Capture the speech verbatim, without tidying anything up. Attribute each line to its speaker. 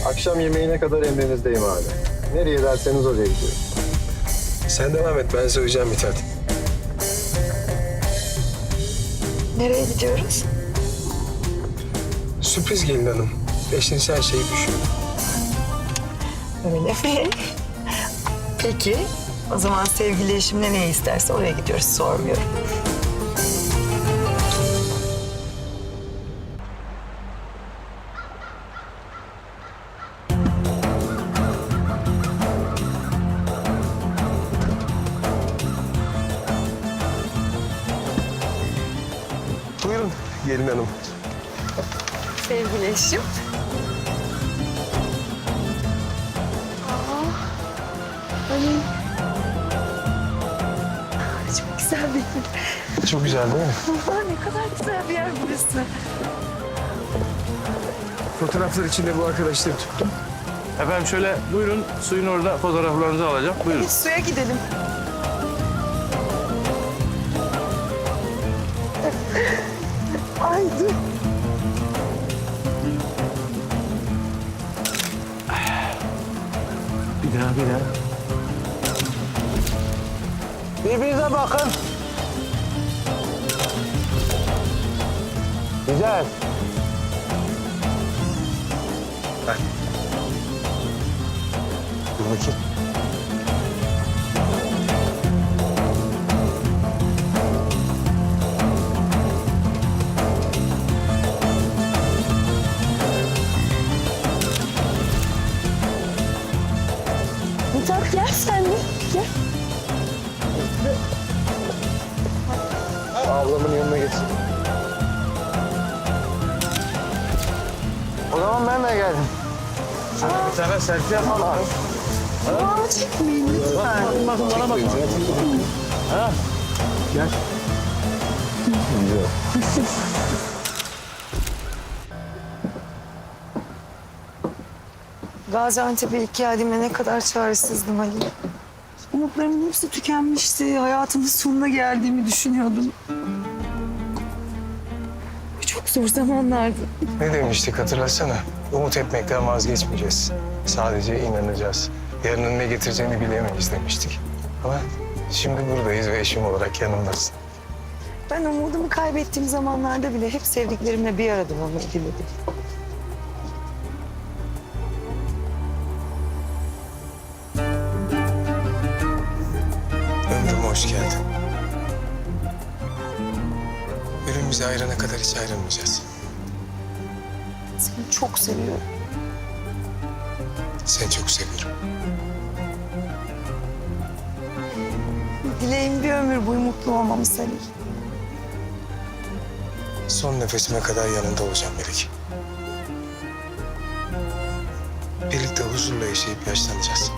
Speaker 1: Akşam yemeğine kadar emrinizdeyim abi. Nereye derseniz oraya gidiyorum.
Speaker 2: Sen devam et, ben söyleyeceğim Mithat.
Speaker 3: Nereye gidiyoruz?
Speaker 2: Sürpriz gelin hanım. Eşiniz her şeyi düşün.
Speaker 3: Öyle mi? Peki. O zaman sevgili eşim ne ne isterse oraya gidiyoruz. Sormuyorum.
Speaker 2: Buyurun gelin hanım.
Speaker 3: Sevgili eşim. Aa, çok güzel bir yer.
Speaker 2: Çok güzel değil mi?
Speaker 3: Aa, ne kadar güzel bir yer burası.
Speaker 2: Fotoğraflar için de bu arkadaşları tuttum.
Speaker 4: Efendim şöyle buyurun, suyun orada fotoğraflarınızı alacağım. Buyurun.
Speaker 3: Biz suya gidelim. Ay dur.
Speaker 4: Bir daha, bir daha. Birbirinize bakın. Güzel.
Speaker 2: Dur bakayım.
Speaker 3: Mithat gel sen de. Gel.
Speaker 2: Ablamın yanına getir.
Speaker 4: O zaman ben de geldim. Şöyle bir tane selfie yapalım.
Speaker 3: Kulağımı çekmeyin lütfen.
Speaker 4: Bakın bana bakın. Ha?
Speaker 2: Gel.
Speaker 3: Gaziantep'e ilk geldiğimde ne kadar çaresizdim Ali. Umutlarımın hepsi tükenmişti. Hayatımın sonuna geldiğimi düşünüyordum. Çok zor zamanlardı.
Speaker 2: Ne demiştik hatırlasana? Umut etmekten vazgeçmeyeceğiz. Sadece inanacağız. Yarının ne getireceğini bilemeyiz demiştik. Ama şimdi buradayız ve eşim olarak yanımdasın.
Speaker 3: Ben umudumu kaybettiğim zamanlarda bile hep sevdiklerimle bir arada olmayı diledim.
Speaker 2: Ömrüme hoş geldin. Ölüm bizi ayırana kadar hiç ayrılmayacağız.
Speaker 3: Seni çok seviyorum.
Speaker 2: Seni çok seviyorum.
Speaker 3: Dileğim bir ömür boyu mutlu olmamız Ali.
Speaker 2: Son nefesime kadar yanında olacağım Melek. Birlikte huzurla yaşayıp yaşlanacağız.